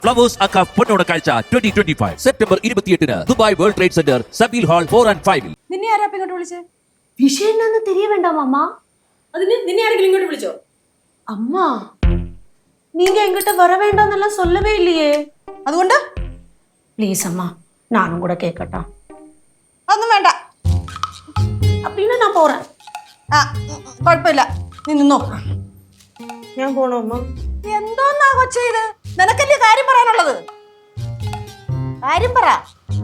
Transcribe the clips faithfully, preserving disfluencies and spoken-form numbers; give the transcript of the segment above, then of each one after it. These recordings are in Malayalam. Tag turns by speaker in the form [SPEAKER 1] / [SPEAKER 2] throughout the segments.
[SPEAKER 1] ഫ്ലവേഴ്സ് അക്ക പൊന്നോണ കാഴ്ച ട്വന്റി ട്വന്റി ഫൈവ് സെപ്റ്റംബർ ഇരുപത്തിയെട്ടിന് Dubai world trade centre Zabeel hall four and ഫൈവിൽ.
[SPEAKER 2] നിന്നെ ആരാ ഇങ്ങോട്ട് വിളിച്ചേ?
[SPEAKER 3] விஷயம் என்னன்னு தெரிய வேண்டாம் அம்மா.
[SPEAKER 2] അതിന് നിന്നെ ആരെങ്കിലും ഇങ്ങോട്ട് വിളിച്ചോ?
[SPEAKER 3] அம்மா நீங்க என்கிட்ட வர வேண்டாம்னெல்லாம் சொல்லவே இல்லையே.
[SPEAKER 2] അതുകൊണ്ട്
[SPEAKER 3] ப்ளீஸ் அம்மா நானும் கூட கேட்கட்டா?
[SPEAKER 2] അതൊന്നും വേണ്ട.
[SPEAKER 3] அப்படின்னு நான் போறேன்.
[SPEAKER 2] ആ കുഴപ്പമില്ല, നീ നിന്നോ.
[SPEAKER 3] ഞാൻ പോണോ അമ്മ?
[SPEAKER 2] എന്തോന്നാ കൊച്ചേ ഇത്? നിനക്കല്ലേ കാര്യം പറയാനുള്ളത്? കാര്യം പറ.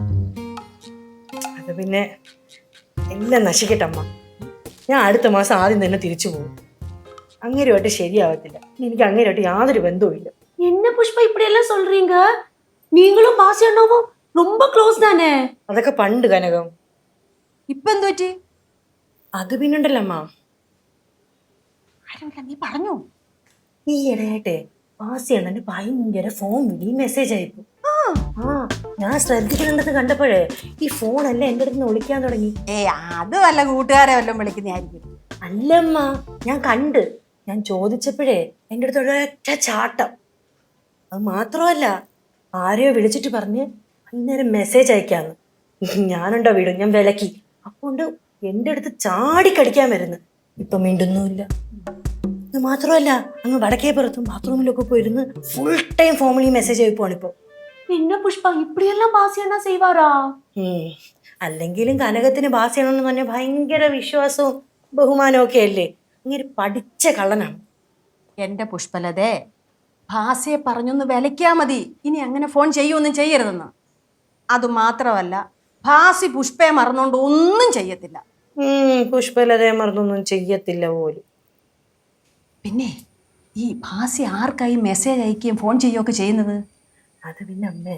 [SPEAKER 4] അത് പിന്നെ എല്ലാം നശിക്കട്ടെ അമ്മ. ഞാൻ അടുത്ത മാസം ആദ്യം തന്നെ തിരിച്ചു പോകും. അങ്ങേരുമായിട്ട് ശരിയാവത്തില്ല. എനിക്ക് അങ്ങേരുമായിട്ട് യാതൊരു ബന്ധവുമില്ല.
[SPEAKER 3] என்ன புஷ்பா இப்படி எல்லாம் சொல்றீங்க? நீங்களும் பாசி அண்ணாவும் ரொம்ப க்ளோஸ் தானே?
[SPEAKER 4] അതൊക്കെ പണ്ട് കനകം.
[SPEAKER 2] ഇപ്പൊ എന്ത് പറ്റി?
[SPEAKER 4] അത് പിന്നുണ്ടല്ലോ അമ്മ,
[SPEAKER 2] കാര്യമില്ല, നീ പറഞ്ഞു.
[SPEAKER 4] ഈ ഇടയായിട്ടെ പാസി അണ്ണന് ഭയങ്കര ഫോൺ വിളി മെസ്സേജ് അയക്കും. ആ ഞാൻ ശ്രദ്ധിക്കുന്നുണ്ടെന്ന് കണ്ടപ്പോഴേ ഈ ഫോണല്ല എന്റെ അടുത്ത് നിന്ന് വിളിക്കാൻ തുടങ്ങി.
[SPEAKER 2] ഏ അത് വല്ല കൂട്ടുകാരെ വല്ലതും വിളിക്കുന്നതായിരിക്കും.
[SPEAKER 4] അല്ലമ്മ, ഞാൻ കണ്ട്. ഞാൻ ചോദിച്ചപ്പോഴേ എൻ്റെ അടുത്ത് ഒരൊറ്റ ചാട്ടം. അത് മാത്രമല്ല, ആരെയോ വിളിച്ചിട്ട് പറഞ്ഞ് അന്നേരം മെസ്സേജ് അയക്കാന്ന്. ഞാനുണ്ടോ വീടും, ഞാൻ വിലക്കി. അപ്പോണ്ട് എൻ്റെ അടുത്ത് ചാടിക്കടിക്കാൻ വരുന്നു. ഇപ്പൊ മിണ്ടുന്നുമില്ല. ഇത് മാത്രമല്ല, അങ്ങ് വടക്കേ പുറത്തും ബാത്റൂമിലൊക്കെ പോയിരുന്ന് ഫുൾ ടൈം ഫോമിലി മെസ്സേജ് അയക്കുവാണ് ഇപ്പൊ.
[SPEAKER 3] என்ன புஷ்பா இப்படி எல்லாம் பாசி அண்ணா செய்வாரா?
[SPEAKER 4] അല്ലെങ്കിലും കനകത്തിന് ബാസിയാണെന്ന് പറഞ്ഞാൽ ഭയങ്കര വിശ്വാസവും ബഹുമാനവും ഒക്കെ അല്ലേ. ഇങ്ങനെ പഠിച്ച കള്ളനാണ്
[SPEAKER 2] എന്റെ പുഷ്പലതേ, ഭാസയെ പറഞ്ഞൊന്ന് വിലയ്ക്കാ മതി. ഇനി അങ്ങനെ ഫോൺ ചെയ്യൊന്നും ചെയ്യരുതെന്ന്. അതുമാത്രമല്ല, ഭാസി പുഷ്പയെ മറന്നുകൊണ്ട് ഒന്നും ചെയ്യത്തില്ല.
[SPEAKER 4] പുഷ്പലതയെ മറന്നൊന്നും ചെയ്യത്തില്ല പോലും.
[SPEAKER 2] പിന്നെ ഈ ഭാസി ആർക്കായി മെസ്സേജ് അയക്കുകയും ഫോൺ ചെയ്യുകയൊക്കെ ചെയ്യുന്നത്?
[SPEAKER 4] അത് പിന്നെ അമ്മേ,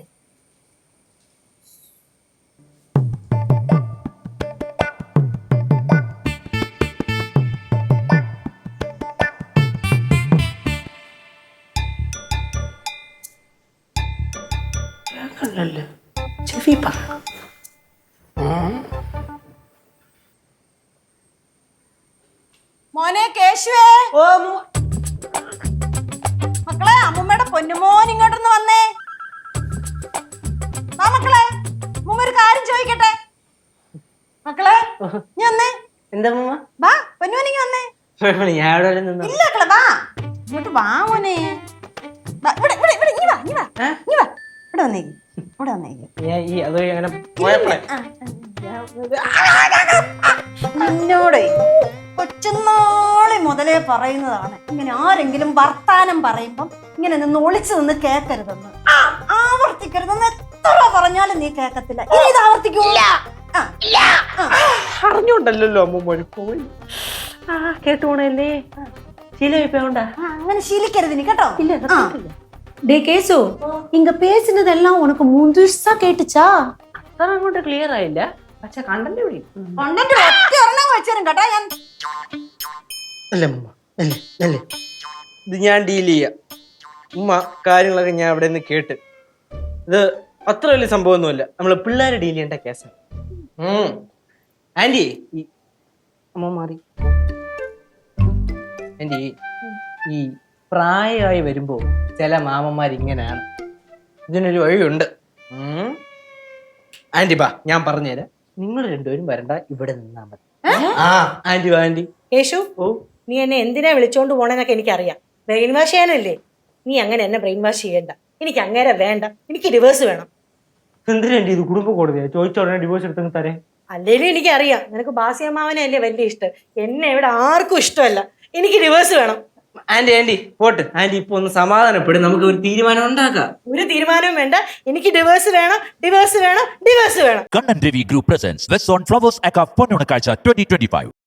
[SPEAKER 4] ചെവി പറ.
[SPEAKER 2] മോനെ കേശുവേ, മക്കളെ അമ്മൂമ്മയുടെ പൊന്നുമോൻ ഇങ്ങോട്ടൊന്ന് വന്നേ. വാ മക്കളെ, അമ്മൂമ്മ ഒരു കാര്യം ചോദിക്കട്ടെ. മക്കളെ നീ വന്നേ.
[SPEAKER 4] എന്താ
[SPEAKER 2] വാ പൊന്നുമോൻ ഇങ്ങ് വന്നേ. ഇല്ല മക്കളെ വാ, ഇങ്ങോട്ട് വാ മോനെ. വാ, ഇവിടെ ഇവിടെ ഇവിടെ ഇങ്ങ് വാ ഇങ്ങ് വാ ഇങ്ങ് വാ. ഇവിടെ വന്നേക്ക്, ഇവിടെ വന്നേക്ക്. എന്നോടേ കൊച്ചുനാളി മുതലേ പറയുന്നതാണ്, ഇങ്ങനെ ആരെങ്കിലും വർത്താനം പറയുമ്പം ഇങ്ങനെ നിന്ന് ഒളിച്ചു നിന്ന് കേക്കരുതെന്ന്. ആവർത്തിക്കരുതെന്ന് എത്ര പറഞ്ഞാലും നീ കേക്കത്തില്ല. ഇനി ഇത് ആവർത്തിക്കൂല.
[SPEAKER 4] അറിഞ്ഞോണ്ടല്ലോ അമ്മ പോയി. ആ കേട്ടോണല്ലേ, ശീലമായിപ്പോണ്ടാ.
[SPEAKER 2] അങ്ങനെ ശീലിക്കരുത് നീ കേട്ടോ.
[SPEAKER 3] டே கேசு, இங்க பேசினதெல்லாம் உனக்கு முழுசா கேட்டுச்சா?
[SPEAKER 4] അത്ര അങ്ങോട്ട് ക്ലിയർ ആയില്ല, പക്ഷെ കണ്ടന്റ് വിളി
[SPEAKER 2] കണ്ടന്റ് ഒറ്റ ഒരെണ്ണം വെച്ചേരും കേട്ടോ ഞാൻ.
[SPEAKER 5] അല്ല ഉമ്മ, അല്ലേ അല്ലേ ഇത് ഞാൻ ഡീൽ ചെയ്യാം. ഉമ്മ കാര്യങ്ങളൊക്കെ ഞാൻ അവിടെ നിന്ന് കേട്ട്. ഇത് അത്ര വലിയ സംഭവമൊന്നുമല്ല, നമ്മള് പിള്ളേരെ ഡീൽ ചെയ്യേണ്ട കേസാണ്. ആന്റി ഈ അമ്മ മാറി. ആന്റി ഈ പ്രായമായി വരുമ്പോ ചില മാമന്മാർ ഇങ്ങനെയാണ്. ഇതിനൊരു വഴിയുണ്ട്. ആന്റി ബാ, ഞാൻ പറഞ്ഞുതരാം. നിങ്ങൾ രണ്ടുപേരും വരണ്ട, ഇവിടെ നിന്നാ മതി. ആ ആന്റി വാ ആന്റി.
[SPEAKER 4] യേശു, ഓ നീ എന്നെ എന്തിനാ വിളിച്ചോണ്ട് പോണെന്നൊക്കെ എനിക്കറിയാം. ബ്രെയിൻ വാഷ് ചെയ്യാനല്ലേ. നീ അങ്ങനെ എന്നെ ബ്രെയിൻ വാഷ് ചെയ്യണ്ട. എനിക്ക് അങ്ങനെ വേണ്ട, എനിക്ക് ഡിവോഴ്സ് വേണം.
[SPEAKER 5] എന്തിനാ ഇത് കുടുംബ കോടതിയാ? ചോദിച്ച ഉടനെ ഡിവോഴ്സ് എടുത്തെന്ന് തരേ.
[SPEAKER 4] അല്ലേലും എനിക്കറിയാം നിനക്ക് ബാസിയമ്മാവനെ അല്ലേ വലിയ ഇഷ്ടം. എന്നെ ഇവിടെ ആർക്കും ഇഷ്ടമല്ല. എനിക്ക് ഡിവോഴ്സ് വേണം.
[SPEAKER 5] Aunty aunty pot. ആന്റി ഇപ്പൊ ഒന്ന് സമാധാനപ്പെടും, നമുക്ക് ഒരു തീരുമാനം ഉണ്ടാക്കാം.
[SPEAKER 4] ഒരു തീരുമാനവും വേണ്ട, എനിക്ക് ഡിവോഴ്സ് വേണം, ഡിവോഴ്സ് വേണം, ഡിവോഴ്സ് വേണം.
[SPEAKER 1] Kannan Ravi group presents west on Flowers അക്ക പൊന്നോണ കാഴ്ച ട്വന്റി ട്വന്റി ഫൈവ്.